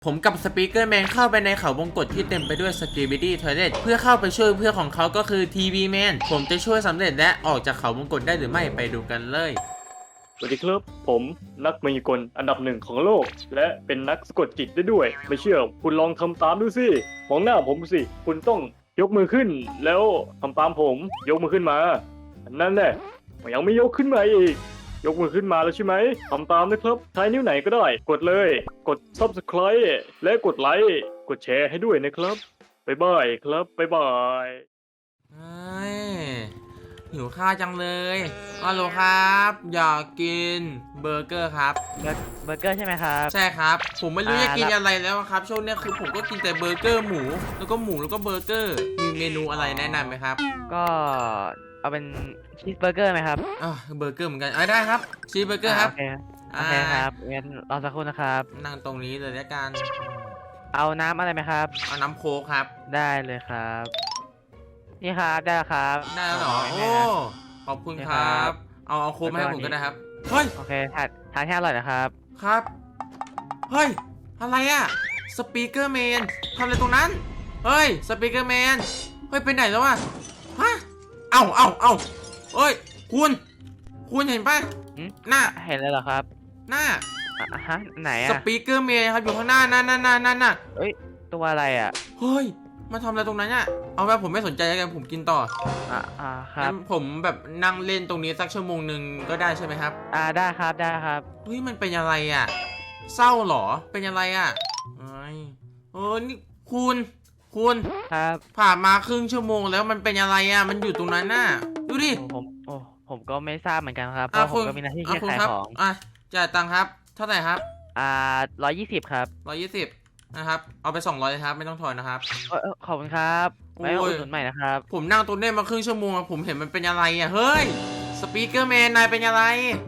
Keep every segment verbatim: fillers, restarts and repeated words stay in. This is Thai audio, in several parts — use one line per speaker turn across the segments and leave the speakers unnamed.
ผมกับสปีกเกอร์แมนเข้าไปในเขาวงกตที่เต็มไปด้วยสกีบิดี้ทอยเลทเพื่อเข้าไปช่วยเพื่อนของเขาก็คือทีวีแมนผมจะช่วยสำเร็จและออกจากเขาวงกตได้หรือไม่ไปดูกันเลย
สวัสดีครับผมนักมายากลอันดับหนึ่งของโลกและเป็นนักสะกดจิตได้ด้วยไม่เชื่อคุณลองทำตามดูสิมองหน้าผมสิคุณต้องยกมือขึ้นแล้วทำตามผมยกมือขึ้นมานั่นแหละยังไม่ยกขึ้นมาอีกยกมือขึ้นมาแล้วใช่ไหมทำตามนะครับใช้นิ้วไหนก็ได้กดเลยกด ซับสไครบ์ และกดไลค์กดแชร์ให้ด้วยนะครับบ๊ายบายครับบ๊ายบาย
เฮ้ยหิวข้าวจังเลยฮัลโหลครับอยากกินเบอร์เกอร์ครับ
เบอร์เกอร์ใช่ไหมครับ
ใช่ครับผมไม่รู้จะกิน
อ่า
อะไรแล้วครับช่วงนี้คือผมก็กินแต่เบอร์เกอร์หมูแล้วก็หมูแล้วก็เบอร์เกอร์มีเมนูอะไรแนะนำไหมครับ
ก็เอาเป็นชีสเบอร์เกอร์ไหมครับ
อ่าเบอร์เกอร์เหมือนกันอ่าได้ครับชีสเบอร์เกอร์ครับ
โอเคโอเคครับงั้นรอสักครู่นะครับ
นั่งตรงนี้เลยแล้วกัน
เอาน้ำอะไรไหมครับ
เอาน้ำโค้กครับ
ได้เลยครับนี่ครับได้แล้วครับ
ได้แล้วเหรอโอ้ขอบคุณครับเอาเอาโค้กมาให้ผมก็ได้ครับเฮ้ย
โอเคทานทานแค่อร่อยนะครับ
ครับเฮ้ยอะไรอะสปีกเกอร์แมนทำอะไรตรงนั้นเฮ้ยสปีกเกอร์แมนเฮ้ยไปไหนแล้ววะฮะเอ้าเอ้าเอ้าเฮ้ยคุณคุณเห็นปะหน้า
เห็นเลยเหรอครับ
หน้า
อ่ะฮะไหนอะ
สปีกเกอร์แมนครับอยู่ข้างหน้านั่นนั่นนั่นนั่นน่ะ
เฮ้ยตัวอะไรอะ
เฮ้ยมาทำอะไรตรงนั้นเนี่ยเอาไปผมไม่สนใจแล้วกันผมกินต่อ
อ่าอ่าครับ
ผมแบบนั่งเล่นตรงนี้สักชั่วโมงหนึ่งก็ได้ใช่ไหมครับ
อ่าได้ครับได้ครับ
เฮ้ยมันเป็นอะไรอ่ะเศร้าหรอเป็นอะไรอ่ะเอ้ยเออนี่คุณคุณ
ครับ
ผ่านมาครึ่งชั่วโมงแล้วมันเป็นอะไรอ่ะมันอยู่ตรงนั้นน่ะดูดิ
ผมโอ้ผมก็ไม่ทราบเหมือนกันครับเพราะผมก็มีหน้าที่แค่ขายของ
อ่ะจ่ายตังค์ครับเท่าไหร่ครับ
อ่าร้อยยี่สิบครับ
ร้อยยี่สิบนะครับเอาไปสองร้อยครับไม่ต้องถอนนะครับ
เออขอบคุณครับไว้อุดหนุนใหม่นะครับ
ผมนั่งตัวเน่มาครึ่งชั่วโมงผมเห็นมันเป็นอะไรอ่ะเฮ้ยสปีกเกอร์แมนนายเป็นอะไร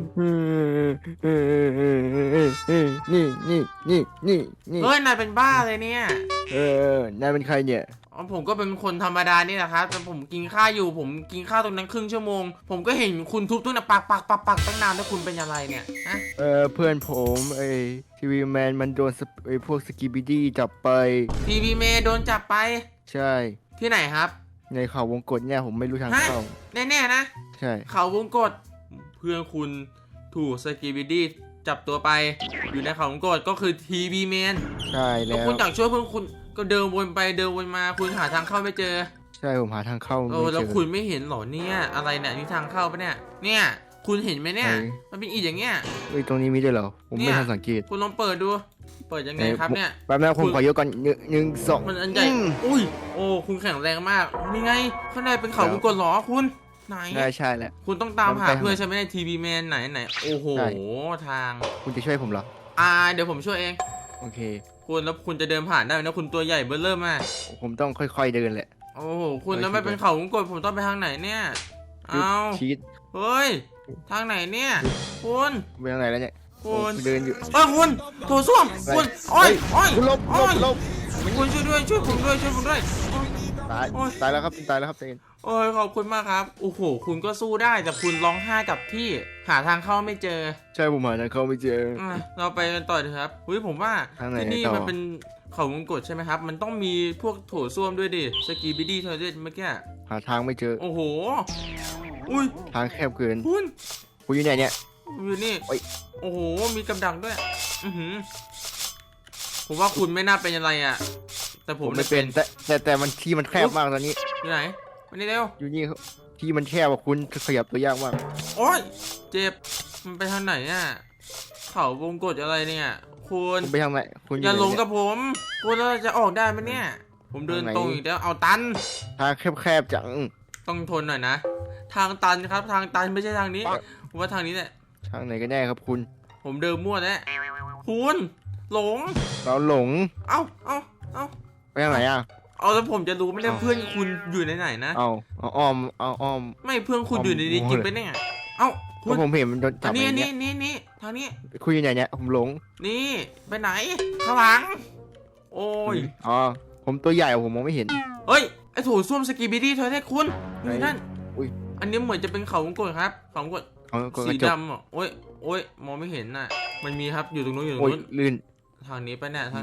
นี่นี่นี่นี่นี่
เฮ้ยนายเป็นบ้าเลยเนี่ย
เออนายเป็นใครเนี่ย
ผมก็เป็นคนธรรมดานี่แหละครับแต่ผมกินข้าวอยู่ผมกินข้าวตรงนั้นครึ่งชั่วโมงผมก็เห็นคุณทุบตู้น่ะปักปักปักปักตั้งนานแล้วคุณเป็นอะไรเนี่ยฮะ
เออเพื่อนผมไอ้ทีวีแมนมันโดนไอ้พวกสกิบิดี้จับไป
ทีวีแมนโดนจับไป
ใช่
ที่ไหนครับ
ในเขาวงกตเนี่ยผมไม่รู้ทางเข้า
แน่ๆนะ
ใช่
เขาวงกตเพื่อนคุณถูกสกิบิดี้จับตัวไปอยู่ในเขาวงกตก็คือทีวีแมน
ใช่แล้ว
คุณอยากช่วยเพื่อนคุณก็เดินวนไปเดินวนมาคุณหาทางเข้าไม่เจอ
ใช่ผมหาทางเข้าไม่เจอ
แล้วคุณไม่เห็นหรอเนี่ยอะไรเนี่ยนี่ทางเข้าปะเนี่ยเนี่ยคุณเห็นไหมเนี่ยมันเป็นอีอย่างเงี้ย
เฮ้ยตรงนี้มีด้วยเหรอผมไม่ทันสังเกต
คุณลองเปิดดูเปิดยังไงครับเนี่ย
แป๊บนึงผมขอยกก่อนหนึ่งสอง
มันอันใหญ่อุ้ยโอ้คุณแข็งแรงมากนี่ไงข้างในเป็นเขาวงกตหรอคุณไหน
ใช่ใช่แหละ
คุณต้องตามหาเพื่อนใช่ไหมในทีวีแมนไหนไหนโอ้โหทาง
คุณจะช่วยผมเหรอ
อ่าเดี๋ยวผมช่วยเอง
โอเค
คุณแล้วคุณจะเดินผ่านได้นะคุณตัวใหญ่เบ้อเริ่มมาก
ผมต้องค่อยๆเดินแหละ
โอ้โหคุณแล้วไม่เป็นเขาวงกตผมต้องไปทางไหนเนี่ยเอา
ชีส
เฮ้ยทางไหนเนี่ยคุณ
ไปทางไหนแล้วเนี่ย
คุณ
เดินอยู่
เออคุณโถส้วมคุณโอ้ยโอ้ย
คุณลบลบลบ
คุณช่วยด้วยช่วยผมด้วยช่วยผมด้วย
ตายตายแล้วครับตายแล้วครับเอง
โอ้ยขอบคุณมากครับโอ้โหคุณก็สู้ได้แต่คุณร้องไห้กับที่หาทางเข้าไม่เจอ
ใช่ผมหาทางเข้าไม่เจอ
เราไปกันต่อเถอะครับอุ้ยผมว่าที่นี่มันเป็นเขาวงกตใช่ไหมครับมันต้องมีพวกโถส้วมด้วยดิสกีบิดี้เทอร์เรสเมื่อกี้
หาทางไม่เจอ
โอ้โหอุ้ย
ทางแคบเกิน
คุณ
คุณอยู่ไหนเนี่ย
อยู่นี่โอ้โหมีกำดักด้วยอือหือผมว่าคุณไม่น่าเป็นอะไรอ่ะแต่ผม
ไม่เป็นแต่แต่แต่มันที่มันแคบมากตอนนี้
อยู่ไหนมานี่เร็ว
อยู่นี่ที่มันแคบว่าคุณขยับตัวยากมาก
โอ้ยเจ็บมันไปทางไหนอ่ะเขาวงกตอะไรเนี่ยคุณ
ไปทางไหนคุณ
อย่าหลงกับผมคุณเราจะออกได้ไหมเนี่ยผมเดินตรงอีกแล้วเอาตัน
ทางแคบๆจัง
ต้องทนหน่อยนะทางตันครับทางตันไม่ใช่ทางนี้ผมว่าทางนี้แหละ
ทางไหนก็แน่ครับคุณ
ผมเดินมั่วแล้วคุณหลง
เราหลง
เอ้าเอ้าเอ้า
ไปทางไหนอ่ะ
เอาแล้วผมจะรู้ไม่ได้เพื่อนคุณอยู่ในไหนนะ
เอาเอาอ้อมเอาอ้อม
ไม่เพื่อนคุณอยู่ในนี้จริงไปเนี่ยเอ้า
คุณผมเห็นมันโดนจับ
นี่นี่นี่นี่ทางนี้
คุณอยู่ไหนเนี่ยผมหลง
นี่ไปไหนข้างหลังโอ้ย
อ๋อผมตัวใหญ่ผมมองไม่เห็น
เฮ้ยไอ้โถส้วมสกีบิดี้เธอได้คุณอยู่นั่นอันนี้เหมือนจะเป็นเขาวงกตครับเขาวงกตสีดำอ่ะโอ้ยโอ้ยมองไม่เห็นน่ะมันมีครับอยู่ตรงนู้นอยู่ตรงนู้น
ลื่น
ทางนี้ไปเนี่ยทางไหน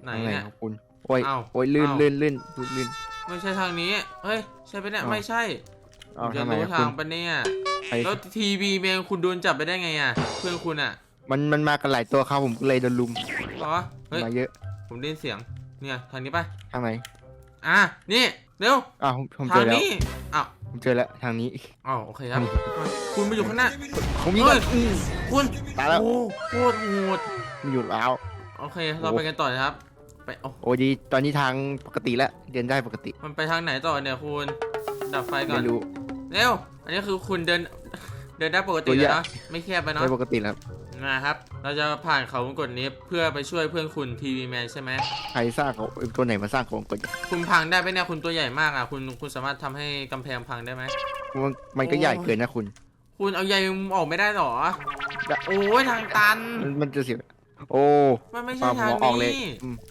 ไหน
ทางไหน
เนี่ย
ของคุณโอ้ย
เอ้า
โอ้ยลื่น
เอ้า
ลื่นลื่นลื่นลื่น
ไม่ใช่ทางนี้เฮ้ยใช่ปะเนี่ย
เอ้า
ไม่ใช่ผ
เอา
มจะ
ทางไหน
รู้
อะ
ทา
คุ
ง
ณ
ปะเนี่ย
ใคร
แล้วทีวีแมนคุณโดนจับไปได้ไงอ่ะเพื่อนคุณอ่ะ
มันมันมากันหลายตัวครับผมก็เลยโดนลุม
เหรอเฮ้ย
มาเยอะ
ผมได้ยินเสียงเนี่ยทางนี้ปะ
ทางไหน
อ่ะนี่เร็ว
อ้าวผมผม
ทา
เจอง แล้ว
นี้อ้าว
ผมเจอแล้วทางนี้
อ้าวโอเคครับคุณมาอยู่ข้างหน้า
ผมยิง
เฮ้
ก่อย นอืม
คุณ
ตายแล้ว
โอ้โคตรโหด
มันอยู่แล้ว
โอเคเราไปกันต่อนะครับไปโอ้
โอ้ดีตอนนี้ทางปกติแล้วเดินได้ปกติ
มันไปทางไหนต่อเนี่ยคุณดับไฟก่อ
ไม่
น
รู้
เร็วอันนี้คือคุณเดินเดินได้ปกติ
ตัว
เลย
ใหญ่
นะไม่แคบไปเนาะ
ได้ปกติแล้ว
นะครับ เราจะผ่านเขาวงกตนี้เพื่อไปช่วยเพื่อนคุณทีวีแมนใช่ไหม
ใครสร้างเขาตัวไหนมาสร้างของกด
คุณพังได้ไหมเนี่ยคุณตัวใหญ่มากอ่ะคุณคุณสามารถทำให้กำแพงพังได้ไหม
มันมันก็ใหญ่เกินนะคุณ
คุณเอาใยมุมออกไม่ได้หรอโอ้ยทางตัน
มันมันจะเสียโอ้
มันไม่
ป
ใช่
ลา
ทาง
หัวออกเลย
นี้
อืม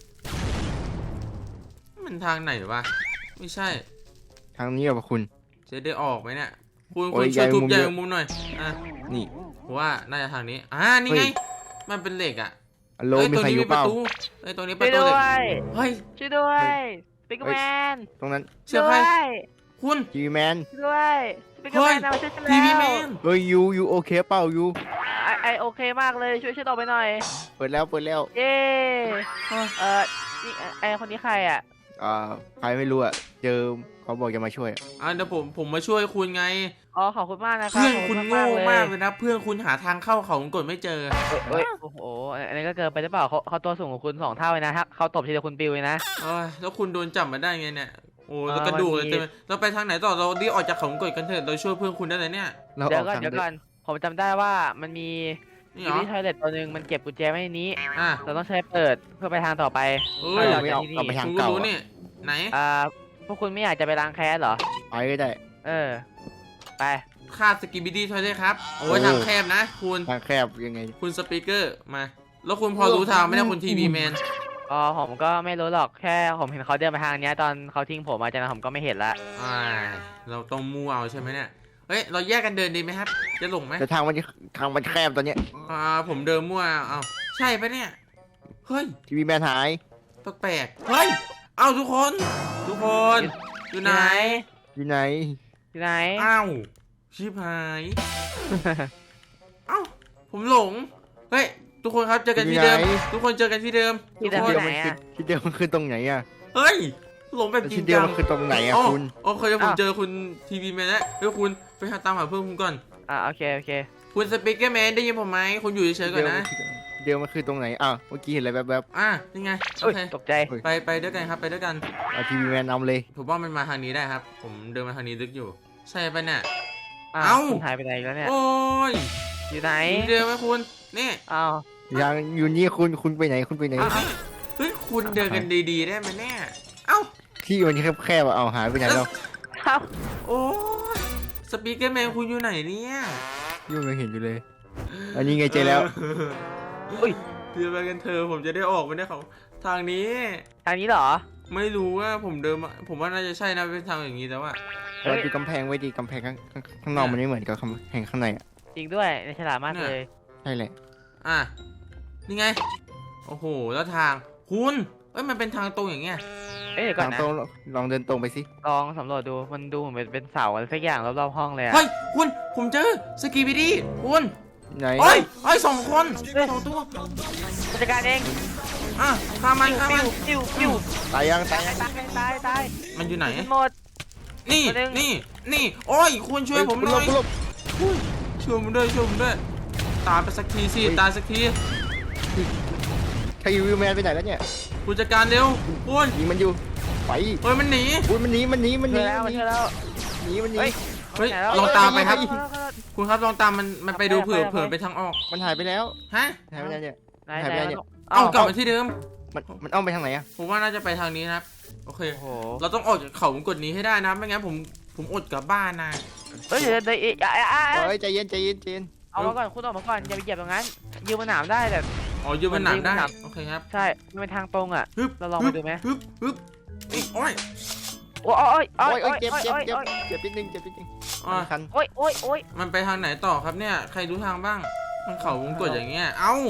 มันทางไหนวะไม่ใช่
ทางนี้เหรอคุณ
จะได้ออกไหมเนี่ยคุณ
โอ้
คุณ
ย
ช่วย
ใย
ทุบ
มุม
ใย
เยอะ
มุมหน่อยอ่ะ
นี่
ผมว่าน่าจะทางนี้อ่านี่ไง
เฮ้ย
มันเป็นเหล็กอ่ะ
อโล
เฮ้ย
มี
ตรง
ใคร
นี้
อ
มี
ยู่
ป
เประ ล่า
ตูเฮ้ยตรงนี้ป
ช่ว
ระ
ย
ตู
ด้
เหล็
ว
ก
ย
เฮ้ย
ช่วยด้วยสปิกเกอร์แมน
ตรงนั้น
เชื่อ
ด้
ใคร
วย
คุณ
ทีวีแมน
ช่วยด้วยสปิกเกอร์แมนมาช่วยฉัน
ทีวี
แล้
แม
วน
เฮ้ยยูยูโอเคเปล่ายู
ไอไอโอเคมากเลยช่วยฉันออกไปหน่อย
เปิดแล้วเปิดแล้ว
เย้
อ่ะ
เออนี่ไอคนนี้ใครอ่ะ
อ่าใครไม่รู้อ่ะเจอเขาบอกจะมาช่วยอะ
อ่ะเดี๋ยวผมผมมาช่วยคุณไง
อ๋อขอบคุณมากนะครับ
เพื่อน
ขบ
คุณ
มาก
โง่
ๆเลย
มากเลยนะ เพื่อนคุณหาทางเข้าเขาวงกตไม่เจอ
เอ้ยโอ้โหอันนี้ก็เกินไปหรือเปล่าเขาเขาตัวสูงกว่าคุณสองเท่าเลยนะฮะเขาตบทีเดียวคุณปิวเลยนะ
เอ้ยแล้วคุณโดนจับมาได้ไงเนี่ย โอ้
เออ
แล้วกระดูกเลย
มันมี
เต็มเราไปทางไหนต่อ เรารีบออกจากเขาวงกตกันเถอะเราช่วยเพื่อนคุณได้เลยเนี่ย
เราอ
เดี๋ย
อ
ว
ก
ก่อน
ทาง
เดี๋ยว
เดิ
ก่อน นผมจำได้ว่ามันมี
นี่
อ
เหร
ยู่
อ
ที่ทอยเล็ตตัวหนึ่งมันเก็บกุญแจไว้ในนี้
อ่ะ
เราต้องใช้เปิดเพื่อไปทางต่อไป
เอ้ย
เรา
ไม่
จะ
เอา
ที่
กลับไป
นี่
ทาง
คุณก็
เก่า
รู้
อะ
นี่ ไหน
อ่าพวกคุณไม่อยากจะไปล้างแค้นเหรอ
ไปก็ได้
เออ ไป
ค่าสกิบิดี้ช่วยได้ครับ โอ้ย
โอ้
ทางแคบนะ คุณ
ทางแคบยังไง
คุณสปีกเกอร์ มา แล้วคุณพอรู้ทางไหมเนี่ยคุณทีวีแมน
อ๋อผมก็ไม่รู้หรอกแค่ผมเห็นเขาเดินมาทางเนี้ยตอนเขาทิ้งผมมาจากนั้นผมก็ไม่เห็นละ
อ่า เราต้องมูเอาใช่ไหมเนี่ย เฮ้ย เราแยกกันเดินดีไหมครับ จะหลงไหม
แต่ทางมันทางมันแคบตอนเนี้ย
อ่า ผมเดินมั่วเอาใช่ปะเนี่ย เฮ้ย
ทีวีแมนหาย
แปลกๆ เฮ้ย เอาทุกคน ทุกคน อยู่ไหน
อยู่ไหน
อยู่ไหน
อ้าวชิบหาย เอ้า ผมหลง เฮ้ย ทุกคนครับ เจอกันที่เดิม
อยู่ไหน
ทุกคนเจอกันที่เดิม
ที่
ทุก
เดิม
คน
ไหนอะ
ที่เดียวมันคือตรงไหนอ่ะ
เฮ้ย หลงแบบจริ
ที่
ง
เดียว
จัง
มันคือตรงไหนอ่ะ
อ๋อ
คุณ
โอเคผมเจอคุณทีวีแมนแล้วเฮ้ยคุณไปหาตามหาเพื่อนคุณก่อน
อ่าโอเคโอเค
คุณสปีกเกอร์แมนได้ยินผมไหมคุณอยู่เฉยๆก่อนนะ
เดียวมันคือตรงไหนอ้าวเมื่อกี้เห็นอะไรแบบ
อ่ะนี่ไง โอ
เอ้ย
เค
ตกใจ
ไปไปด้วยกันครับ ไปด้วยกัน
ๆเอาทีวีแมนนำเลย
ผมว่ามันมาทางนี้ได้ครับ ผมเดินมาทางนี้ลึกอยู่ ใช่ปะเนี่ย
อ้า
เอ้า
วคุณหายไปไหนแล้วเนี่ย
โอ้ย
อยู่ไหน
อยู่เดินไหมคุณ นี่
อ้าว
ยังอยู่นี่คุณคุณไปไหนคุณไปไหน
เอาเอาเฮ้ย คุณเดินกันดีๆได้ไหมเนี่ย เอ้า
ที่มันแคบๆอ่ะเอาหายไปไหนแล้ว
อ้าว
โอ้ยสปีกเกอร์แมนคุณอยู่ไหนเนี่ย
ยุ่งยังเห็นอยู่เลย อันนี้ไงเจอแล้ว
อุ้ย
เดินไปกันเถอะผมจะได้ออกไปได้เขาทางนี้
ทางนี้เหรอ
ไม่รู้ว่าผมเดินมาผมว่าน่าจะใช่นะเป็นทางอย่างนี้แล้วอะ
เฮ้
เรา
ย
ดูกำแพงไว้ดีกำแพงข้างข้างข้างนอกมันไม่เหมือนกับกำแพงข้างในอ่ะ
จริงด้วยในฉลาดมากเลย
ใช่แหละ
อ่ะนี่ไง โอ้โห แล้วทางคุณเอ้ยมันเป็นทางตรงอย่างเงี้ย
เอ้ยเดี๋ยวก่อ
ทาน ง
นะ
ตรงลองเดินตรงไปสิ
ลองสำรวจดูมันดูเหมือนเป็นเป็นเสาอะไรสักอย่างรอบๆห้องเลยอะ
เฮ้ยคุณผมเจอสกีบิดี้คุณ
ไหน
โอ้ยโอ้ยสองคนสองตัว
ผู้จัดการเอง
อ่ะฆ่ามันฆ่ามัน
ปิ้วปิ้ว
ตายยังตาย
ตาย
ยัง
ตายตายตาย
มันอยู่ไหน
หมด
นี่
ตัวหนึ่ง
นี่นี่โอ้ยคุณช่วยผมหน่อย
คุณหลบ
ช่วยผมด้วยช่วยผมด้วยตายไปสักทีสิตายสักที
ใครยูวิวแมนไปไหนแล้วเนี่ย
คุณจัดการเร็วคุณ
ยิงมันอยู่ไป
เฮ้ยมันหนี
อุ้ยมันหนีมันหนีมันห
เจ
นี
อแล้ว
มันห
เจ
นี
อแล้ว
หนีมันหนี
เฮ้ย
เฮ้ย
ไหนแล้ว
ลองตามไปครับ
เออเออเออ
คุณครับลองตามมันมันไปดูเผื่อเผื่อไปทางออก
มันหายไปแล้ว
ฮะ
หายไปแล้วเนี่ย
ไหน
หาย
ไห
ไป
น
แล้วเนี่ย
เอากลับมาที่เดิม
มันมันอ้อมไปทางไหนอ่ะ
ผมว่าน่าจะไปทางนี้นะครับโอเค
โอ้โห
เราต้องออกจากเขาวงกตนี้ให้ได้นะไม่งั้นผมผมอดกลับบ้านนะ
เฮ้ยเดี๋ยวเดี๋ยวเดี๋ยวอ่ะอ่ะอ่ะ
เฮ้ยใจเย็นใจเย็นใจเย็น
เอามาก่อนคุณออกมาก่อนอย่าไปเหยียบตรงนั้นยืมมาหนามได้แต่
อ๋อยืมมันหนักได้
มันยืมมันหนัก
โอเคครับ
ใช่มันเป็นทางตรงอ่ะ
ฮึบ
เราลองไปดูไหม
ฮึบฮึบนี่โอ้ย
โอ้ยโอ้ยโอ้
โอ้
ย
ย
โอ้
โอ้
ย
ยเจ็บ
โอ้ย
เจ็บ
โอ้ย
เจ็บเจ็บนิดนึงเจ็บนิดนึง
อ่ะ
คัน
โอ้ยโอ้ยโอ้ย
มันไปทางไหนต่อครับเนี่ยใครรู้ทางบ้างมันเขาวงกตอย่างเงี้ยเอ้า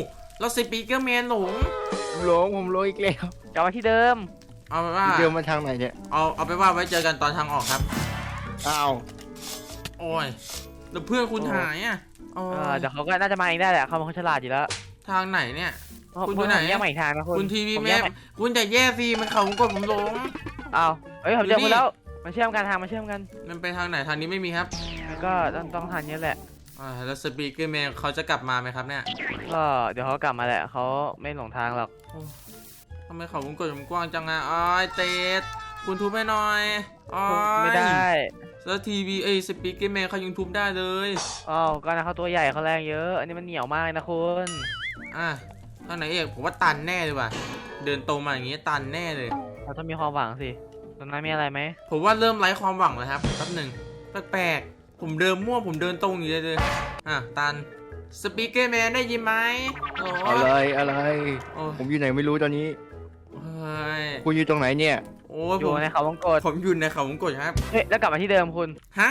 แล้วสปีกเกอร์แมนหลง
ผมหลงผมหลงอีกแล้ว
กลับมาที่เดิม
เอาไปว่า
เดินมาทางไหนเนี่ย
เอาเอาไปว่าไว้เจอกันตอนทางออกครับ
อ้าว
โอ้ยแล้วเพื่อนคุณหายอ่ะโอ้
เออย เดี๋ยวเขาก็น่าจะมาเองได้แหละเขาเป็นคนฉลาดอยู่แล้ว
ทางไหนเนี่ย คุณ
คุ
อยู่
ณ
ไหน
แยกมาอีกทางนะคุณ
คุณทีวี
ผม
แม่
แยกา
คุณจะแย่สิมันเขาวงกดผมหลง
อ้าวเอ้ยผมเจอ
อยู่นี่
คุณแล้วมาเชื่อมกันทางมาเชื่อมกัน
มันไปทางไหนทางนี้ไม่มีครับ
แล้วก็ต้องต้องทางนี้แหละ
อ่าแล้วสปีกเกอร์แมนเขาจะกลับมาไหมครับเนี่ย
ก็เดี๋ยวเขากลับมาแหละเขาไม่หลงทางหรอก
ทำไมเขาวงกดผมกว้างจังอ่ะอ้อยเตดคุณทุบให้หน่อยอ้อย
ไม่ได้
แล้วทีวีเอสปีกเกอร์แมนเขายังทุบได้เลย
อ๋อก็นะเขาตัวใหญ่เขาแรงเยอะ อันนี้มันเหนียวมากเลยนะคุณ
อ่ะทางไหนเอกผมว่าตันแน่เลยว่ะเดินตรงมาอย่างงี้ตันแน่เลย
เราต้องมีความหวังสิตรงนั้นมีอะไรไหม
ผมว่าเริ่มไร้ความหวังแล้วครับแป๊บหนึ่งแปลกๆผมเดินมั่วผมเดินตรงอยู่เลยเลยอ่ะตันสปีกเกอร์แมนได้ยินไหมโอ้
อะไรอะไร
โอ้
ผมอยู่ไหนไม่รู้ตอนนี้
เฮ้ย
คุณอยู่ตรงไหนเนี่ย
โอ้ย
อ
ผ
ยู่
ม
ในเขาวงกต
ผมอยู่ในเขาวงกดครับ
เฮ้ยแล้วกลับมาที่เดิมคุณ
ฮะ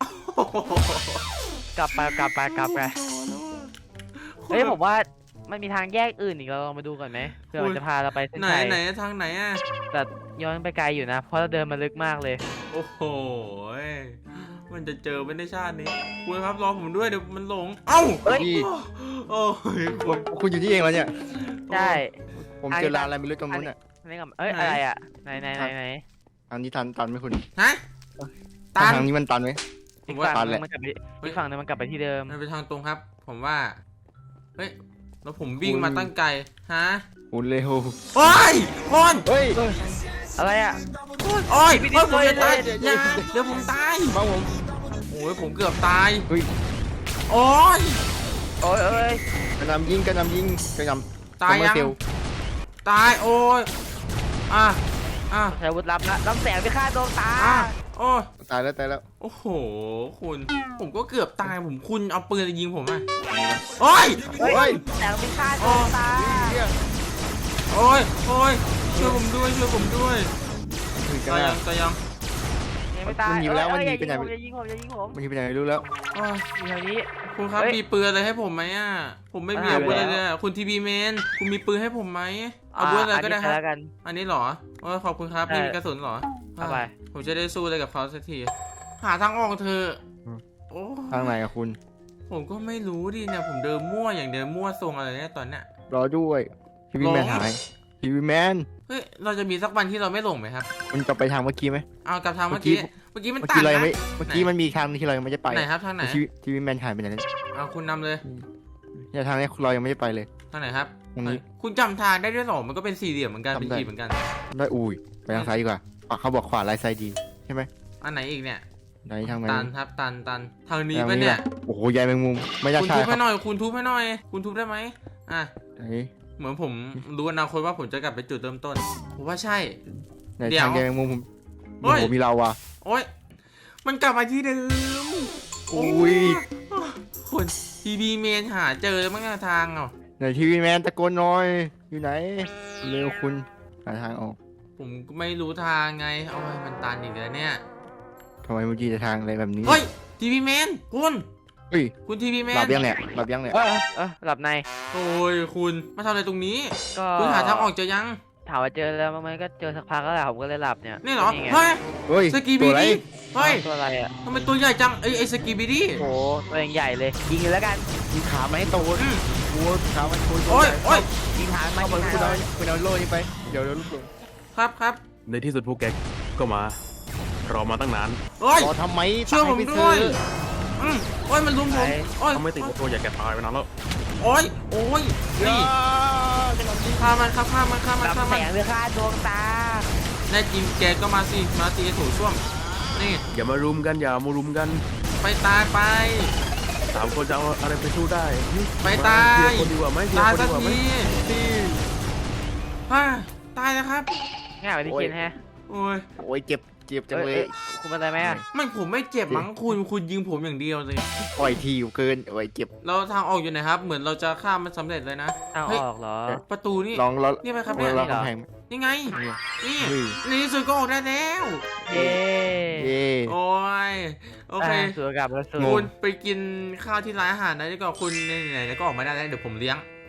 กลับไปกลับไปกลับไปเฮ้ยผมว่ามันมีทางแยกอื่นอีกเราลองมาดูก่อนไหมเพื่อมันจะพาเราไปเส้น
ไหน
ชัย
ไหนทางไหนอ่ะ
แต่ย้อนไปไกลอยู่นะ เพราะเราเดินมาลึกมากเลย
โอ้โหมันจะเจอไม่ได้ชาตินี้คุณครับรอผมด้วยเดี๋ยวมันหลงเอ้า
เฮ้ย
นี่
โอ้ย
คุณคุณอยู่ที่เองแล้วเนี่ย
ใช่
ผมเจอร้านอะไรไม่รู้ตรงนู้นอ่ะ
นี่กับเอ้ยอะไรอ่ะไหนไหนไหนไหน
ทางนี้ตันตันไหมคุณ
ฮะตัน
ทางนี้มันตันไหม
อีก
ผมว่า
ฝั่ง
ตัน
นึ
แหละ
งมันกลับไปอีกฝั่งนึงมันกลับไปที่เดิม
มันเป็นทางตรงครับ ผมว่าเฮ้ยแล้วผมวิ่งมาตั้งไกลฮะ
คุณเร็ว
โอ้ยคน
เฮ้ย
อะไรอ่ะ
โอ้ย
พี่
โอ้ยผม
พี่
จะตาย
เดี๋ยว
อย่า
เดี๋ยว
เดี๋ยวผมตาย
มาผม
โอ้ยผมเกือบตาย
เฮ้ย
โอ้ย
โอ้ยเอ้ย
กระหนำยิงกระหนำยิงกระหนำ
ตายยัง
เฟล
ตายโอ้ยอ่ะอ่ะ
ใช้อาวุธลับละลำแสงไปฆ่าดวงตา
อ่ะโอ้ย
ตายแล้วตายแล้ว
โอ้โหคุณ ผมก็เกือบตายผมคุณเอาปืนยิงผมอ่ะโอ้ย
เฮ้ย
เฮ้ย
แสงไปฆ่าดวงตา
เนี่ย
โอ้ยโอ้ยช่วยผมด้วยช่วยผมด้วย
ถึงกัน
ตาย
แล้
ยั
ว
งตายยัง
ยังไม่ตาย
มันหนีไปแล้ว
เอ้ย
มันหนีไปไหน
อย่ายิงผมอย่ายิงผม
มันที่ไปไหนไม่รู้แล้ว
โอ้ย
อยู่แถวนี้
คุณครับ
เฮ้ย
มีปืนอะไรให้ผมไหมอ่ะผมไม่มี
อ่า
อาวุธอะไร
ไปแล้ว
เลยอะคุณทีวีแมนคุณมีปืนให้ผมไหมอาวุธอะไรก็ได้
น
ค
นี้
รับ
แล้วกัน
อันนี้เหรอโอ้ยขอบคุณครับ
ใช่
นี่มีกระสุนเหรอ
เอาไป
ผมจะได้สู้อะไรกับเขาสักที หาทางออกเธอะ
อืม
โอ้
ทางไหนอะคุณ
ผมก็ไม่รู้ดิเนี่ยผมเดินมั่วอย่างเดินมั่วทรงอะไรเนี่ยตอนเนี้ย
รอด้วยทีวีแมน
หลง
หายทีวีแมน
เฮ้ยเราจะมีสักวันที่เราไม่หลงไหมครับ
มันกลับไปทางเมื่อกี้ไหม
เอากลับทางเมื่อกี้ เมื่อกี้มัน
เมื่อ
ตั
กี้
น
เรายัง
นะ
ไม่เมื่อกี้มันมีทางนึงที่เรายังไม่ได้ไป
ไหนครับทางไหน
ทีวีทีวีแมนหายไปไหนแล้ว
เอาคุณนำเลย
เนี่ยทางนี้เรายังไม่ได้ไปเลย
ทางไหนครับ
ตรงนี้
คุณจำทางได้ด้วยเหรอมันก็เป็นสี่เหลี่ยมเหมือนกันเป็น
จำได้
ขีดเหมือนกัน
ได้อุ้ยไปทางซ้ายดีกว่าอ่ะเขาบอกขวาไลท์ไซด์ดีใช่ไหม
อันไหนอีกเนี่ย
ไหนทางไหน
ตันครับตันตันทางนี้
ทาง
ปะ
นี้
เนี่ย
ล่ะโอ้โหใยแมงมุมไม่น่า
คุณ
ใช่
ทุบ
ครั
ให้
บ
หน่อยคุณทุบให้หน่อย คุณทุบได้ไหมอ่ะ
ไหน
เหมือนผมรู้อนาคตว่าผมจะกลับไปจุดเริ่มต้นผมว่าใช่
ไหน
เดี๋ยว
ทางใยแมงมุมผม
เฮ้
โอ้
ย
โหมีเราอ่ะ
โอ๊ยมันกลับมาที่เดิม
อุ้ย
คนทีบีเมนหาเจอมั้งอะทางอ่ะ
ไหนทีวีแมนตะโกนหน่อยอยู่ไหนเร็วคุณหาทางออก
ผมก็ไม่รู้ทางไงเอาไว้มันตันอีกแล้วเนี่ย
ทำไมเมื่อกี้จะทางอะไรแบบนี้
เฮ้ยทีวีแมนคุณ
เฮ้ย
คุณทีวีแม
หลั
น
บยังเนี่ยหลับยังเนี่ย
เออเออหลับใน
โอ้ยคุณมาทำอะไรตรงนี้
ก็
คุณหาทางออกเจอยัง
ถามว่าเจอแล้วมั้ยก็เจอสักพักแล้วแหละผมก็เลยหลับเนี่ย
นี่เหรอ
ไง
เฮ้ย
เฮ้ย
สกี
ตั
บี
วอะไร
ดี้เฮ้ย
ตัวอะไรอ่ะ
ทำไมตัวใหญ่จังไอ้ไอ้สกีบีดี้
โอ้โหตัวเองใหญ่เลยยิงเลยแล้วกัน
มีขาไหมาให้โต
อืม
หัวขามันโต
โอ้ยโอ้ย
ยิงหางมา
เอา
ยิ
ไป
ง
คุณ
หา
เอา
ง
คุณเอาโล่นี้ไปเดี๋ยวเดี๋ยวลูกหลง
ครับครับ
ในที่สุดพวกแกก็มา รอมาตั้งนาน
โอ้ย
รอทำไม
ช่วยผม
ตาไป
ด้
ซื้
ว
อย
อืมโอ้ยมันลุมผมโอ้ย
ถ้าไม่ติดตัวอยากแกตายไปนานแล้ว
โอ้ยโอ้ยนี่ฆ่ามันครับฆ่ามันฆ่ามันฆ่า
ลำแส
มัน
งไปฆ่าดวงตา
แน่จริงแกก็มาสิมาตีถูช่วมนี่
อย่ามารุมกันอย่ามารุมกัน
ไปตายไป
สามคนจะเอาอะไรไปสู้ได้
ไปตาย
เทียร์คนดีกว่าไหมเทีย
ตาย
ร์คน
สั
ดี
ก
กว่าไหม
ทีฮ่าตายแล้วครับ
ง่ายกว่าที่คิดแฮะ
โอ้ย
โอ้ยเจ็บเจ็บจัง
เอ้ย
เลย
เอ้ยคุณเป็นอะไรไหมอ่ะ
ไม่ผมไม่เจ็บมั้งคุณคุณยิงผมอย่างเดียวเลย
ปล่อยทีอยู่เกินโอ้ยเจ็บ
เราทางออกอยู่ไหนครับ เหมือนเราจะข้ามมันสำเร็จเลยนะ
ทาง
เฮ้ย
ออกเหรอ
ประตูนี่
ลองลอง
นี่ไหมครับ
ล
เนี่
อย งลอง
นี่เหรอ
กำแพง
นี่ไง
เนี่ย
นี่
เฮ้ย
ในที่สุดก็ออกได้แล้ว
เย้
เย่
โอ้ยโอเค
อ่ะสวยกับแล้วสวย
คุณไปกินข้าวที่ร้านอาหารนะดีกว่าคุณไหนๆก็ออกมาได้แล้วเดี๋ยวผมเลี้ยง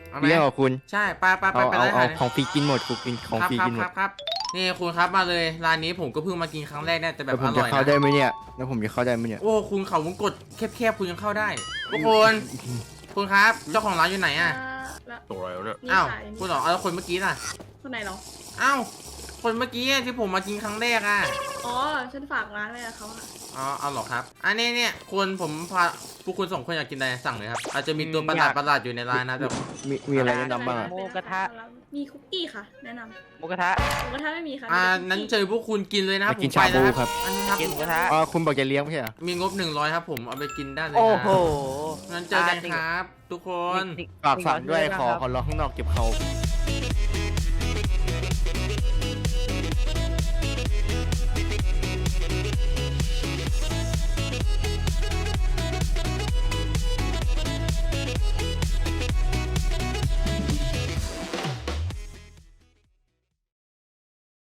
เอาไหม
เลี้ยงเหรอคุณ
ใช่ไปไปไป
เอา
ไป
เอา
ร้านอา
เอา
หาร
ของฟรีกินหมดกูกินของ
ครับ
ฟรี
ครับ
กินหม
ค
ด
รับครับนี่คุณครับมาเลยร้านนี้ผมก็เพิ่งมากินครั้งแรกเนี่ยแต่แบ
แล้
บ
วผ
อ
มจะ
ร่อย
เข้าได้
นะ
ไหมเนี่ยแล้วผมจะเข้าได้ไหมเนี่ย
โอ้คุณเขาวงกดแคบๆคุณยังเข้าได้ทุกคนคุณครับเจ้าของร้านอยู่ไหนอ่ะ
แล้ว
ตัวอะไรเนี่ย
นี่
อ้าว
ขาย
คุณเหรอเอาแล้วคนเมื่อกี้น่ะ
คนไหนเหรอ
อ้าวคนเมื่อกี้ที่ผมมากินครั้งแรกอ่ะ
อ๋อ ฉันฝากร้านไว้กับเขาค่ะ
อ๋อเอาเหรอครับอันนี้เนี่ยคุณผมพาพวกคุณสองคนอยากกินอะไรสั่งเลยครับอาจจะมีตัวประหลาดประหลาดอยู่ในร้านนะแต่
มีมีอะไรแนะนำบ้างอะ
หมูกระทะ
มีคุกกี้ค่ะ แนะน
หมูกระทะ
ำหมูกระทะไม่มีค่ะ
อ่า
มีแต่คุกกี้
นั้นเจอพวกคุณกินเลยนะครับ
ไป
ผ
กิ
ม
น
ไป
ชาบู
แล้ว
ครับ
อันนี้ครับ
กินหมูกระทะ
อ๋อคุณบอกจะเลี้ยงไม่ใช่เหรอ
มีงบหนึ่งร้อยครับผมเอาไปกินได้เลยนะ
โอ้โห
งั้นเจอกันครับ ทุกคน
นี่
ฝากสั่งด้วย
นี่
ขอ
ครับ
ขอรอข้างนอกเก็บเขา
โ